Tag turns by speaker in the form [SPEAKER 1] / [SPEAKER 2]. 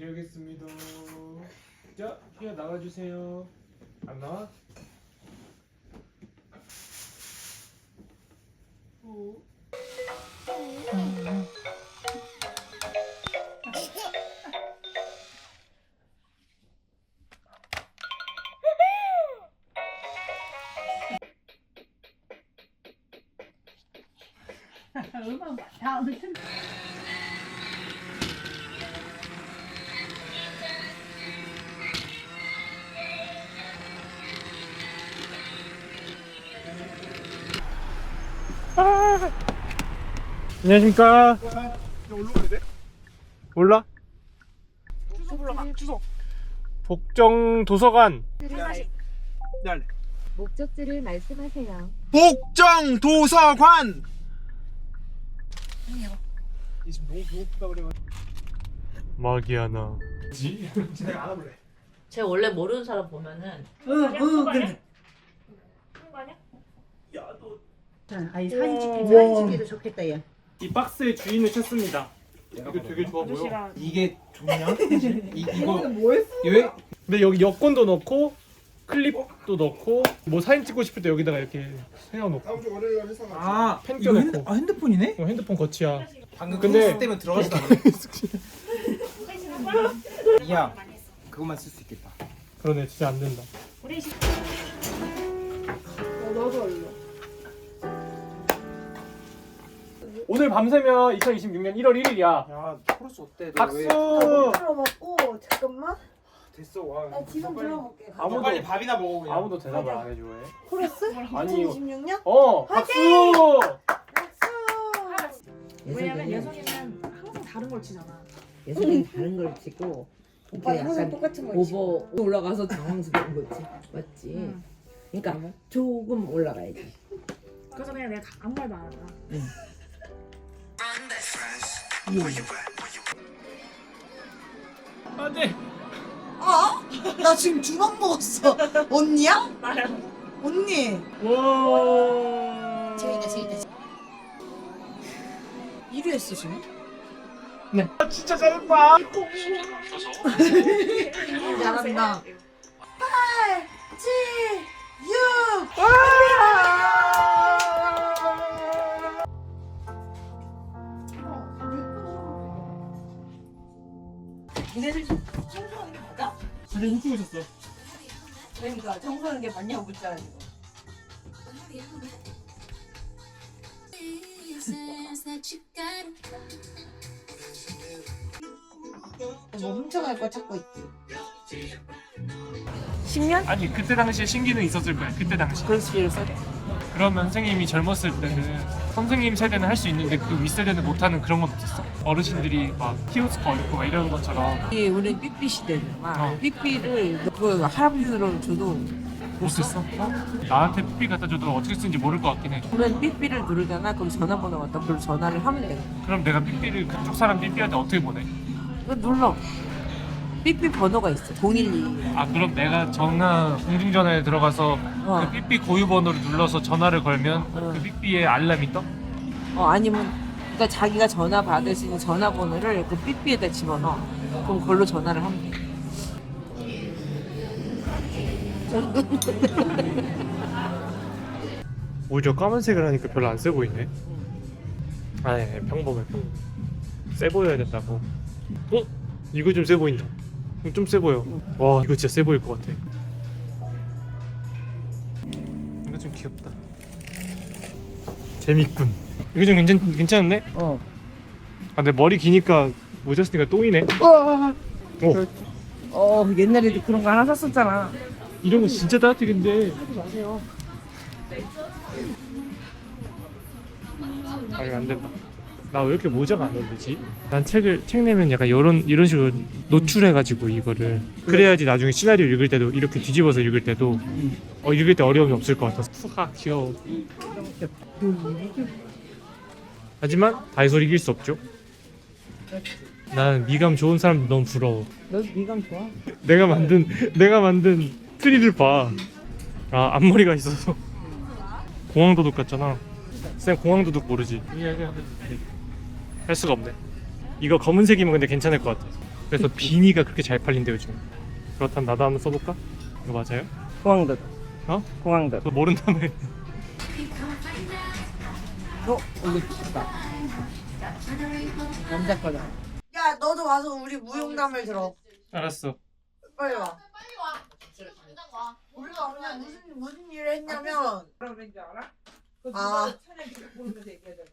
[SPEAKER 1] 드리겠습니다. 자, 희야 나와주세요. 안 나와?
[SPEAKER 2] 음악 다 아무튼
[SPEAKER 1] 안녕하십니까?
[SPEAKER 3] 올라가야 돼?
[SPEAKER 1] 몰라?
[SPEAKER 3] 주소 불러봐. 주소.
[SPEAKER 1] 복정 도서관.
[SPEAKER 3] 네.
[SPEAKER 4] 목적지를 말씀하세요.
[SPEAKER 3] 복정 도서관. 이 지금 너무 배고프다 그래가지고.
[SPEAKER 1] 마기아나.
[SPEAKER 3] 내가 알아볼래.
[SPEAKER 5] 제가 원래 모르는 사람 보면은
[SPEAKER 2] 그래.
[SPEAKER 3] 야 너.
[SPEAKER 2] 아니 사진 찍기도 좋겠다 얘.
[SPEAKER 1] 이 박스의 주인을 찾습니다. 이거 되게 좋아 보여.
[SPEAKER 3] 이게 좋냐? 이거
[SPEAKER 2] 뭐했어?
[SPEAKER 3] 왜?
[SPEAKER 1] 근데 여기 여권도 넣고 클립도 넣고 뭐 사진 찍고 싶을 때 여기다가 이렇게 세워놓고
[SPEAKER 6] 다음 주 월요일 회사 가지.
[SPEAKER 3] 아
[SPEAKER 1] 펜
[SPEAKER 3] 이거
[SPEAKER 1] 껴놓고.
[SPEAKER 3] 핸드폰이네?
[SPEAKER 1] 핸드폰 거치야.
[SPEAKER 3] 방금
[SPEAKER 1] 근데-
[SPEAKER 3] 근데 때문에 들어가지도 않네. 야 그것만 쓸 수 있겠다.
[SPEAKER 1] 그러네, 진짜 안 된다.
[SPEAKER 2] 너도 얼른.
[SPEAKER 1] 오늘 밤새면 2026년 1월 1일이야.
[SPEAKER 3] 야 코러스 어때? 너 왜?
[SPEAKER 1] 박수!
[SPEAKER 2] 들어먹고 잠깐만.
[SPEAKER 3] 됐어 와.
[SPEAKER 2] 나 지금 들어먹게.
[SPEAKER 1] 아무도-
[SPEAKER 3] 빨리 밥이나 먹어 그냥.
[SPEAKER 1] 아무도 대답을 안 해줘. 왜?
[SPEAKER 2] 코러스?
[SPEAKER 1] 아니,
[SPEAKER 2] 2026년?
[SPEAKER 1] 박수!
[SPEAKER 2] 박수.
[SPEAKER 7] 왜냐면 예성이는 항상 다른 걸 치잖아.
[SPEAKER 8] 예전에 다른 걸 치고
[SPEAKER 2] 오빠
[SPEAKER 8] 이렇게
[SPEAKER 2] 항상
[SPEAKER 8] 약간
[SPEAKER 2] 똑같은 거 치고.
[SPEAKER 8] 오버 올라가서 당황스러운 거지, 맞지?
[SPEAKER 7] 응.
[SPEAKER 8] 그러니까 조금 올라가야지.
[SPEAKER 7] 그래서 그냥 내가 아무 말도 안 하잖아.
[SPEAKER 1] 안돼.
[SPEAKER 2] 나 지금 주먹 먹었어. 언니야?
[SPEAKER 7] 나야.
[SPEAKER 2] 언니.
[SPEAKER 1] 와.
[SPEAKER 2] 재밌다 재밌다. 1위 했어 지금?
[SPEAKER 1] 진짜 잘했다.
[SPEAKER 2] 잘한다. 8, 7, 6. 니네들 청소하는 게 맞아?
[SPEAKER 1] 되게 훔치고 있었어.
[SPEAKER 2] 그러니까 청소하는 게 맞냐고 묻잖아 이거. 뭐 훔쳐갈 거 찾고 있지.
[SPEAKER 1] 아니 그때 당시에 신기는 있었을 거야. 그때 당시. 그러면 선생님이 젊었을 때는 선생님 세대는 할 수 있는데 그 윗세대는 못하는 그런 건 없었어? 어르신들이 막 키오스크 있고 막 이런 것처럼
[SPEAKER 8] 우리 삐삐 시대는 막
[SPEAKER 1] 어.
[SPEAKER 8] 삐삐를 그 할아버지로 줘도
[SPEAKER 1] 못했어? 나한테 삐삐 갖다 줘도 어떻게 쓰는지 모를 것 같긴 해.
[SPEAKER 8] 그러면 삐삐를 누르잖아. 그럼 전화번호 갖다 그걸 전화를 하면 돼.
[SPEAKER 1] 그럼 내가 삐삐를 그쪽 사람 삐삐한테 어떻게 보내?
[SPEAKER 8] 그거 눌러. 삐삐 번호가 있어. 012.
[SPEAKER 1] 아 그럼 내가 전화 공중전화에 들어가서
[SPEAKER 8] 어.
[SPEAKER 1] 그 삐삐 고유 번호를 눌러서 전화를 걸면
[SPEAKER 8] 어.
[SPEAKER 1] 그 삐삐에 알람이 떠?
[SPEAKER 8] 아니면 그러니까 자기가 전화 받을 수 있는 전화번호를 그 삐삐에다 집어넣어. 그럼 그걸로 전화를 하면 돼.
[SPEAKER 1] 오히려 까만색을 하니까 별로 안 세 보이네. 아니 평범해. 세 보여야 된다고. 어? 이거 좀 세 보인다. 좀 세 보여. 와 이거 진짜 세 보일 것 같아. 이거 좀 귀엽다. 재밌군. 이거 좀 괜찮은데? 아 근데 머리 기니까 모자 쓰니까 똥이네.
[SPEAKER 8] 옛날에도 그런 거 하나 샀었잖아.
[SPEAKER 1] 이런 거 진짜 따뜻한데. 아 이거 안 된다. 나 왜 이렇게 모자가 안 어울리지? 난 책 내면 약간 이런 식으로 노출해가지고 이거를 그래야지 나중에 시나리오 읽을 때도 이렇게 뒤집어서 읽을 때도 읽을 때 어려움이 없을 것 같아서. 푸하 귀여워. 하지만 다이소를 이길 수 없죠. 난 미감 좋은 사람도 너무 부러워.
[SPEAKER 8] 너 미감 좋아?
[SPEAKER 1] 내가 만든 트리를 봐. 아 앞머리가 있어서 공항도둑 같잖아. 쌤 공항도둑 모르지? 할 수가 없네. 이거 검은색이면 근데 괜찮을 것 같아. 그래서 비니가 그렇게 잘 팔린대 요즘. 그렇다면 나도 한번 써볼까? 이거 맞아요?
[SPEAKER 6] 호황듯.
[SPEAKER 1] 어?
[SPEAKER 6] 호황듯.
[SPEAKER 1] 너 모른다며.
[SPEAKER 8] 이거 좋다. 남자 거다.
[SPEAKER 2] 야 너도 와서 우리 무용담을 들어.
[SPEAKER 1] 알았어.
[SPEAKER 2] 빨리 와. 우리가 그냥 무슨 일을 했냐면
[SPEAKER 8] 뭐라 그랬는지 알아?
[SPEAKER 2] 아.
[SPEAKER 8] 차라리 보면서 얘기하자.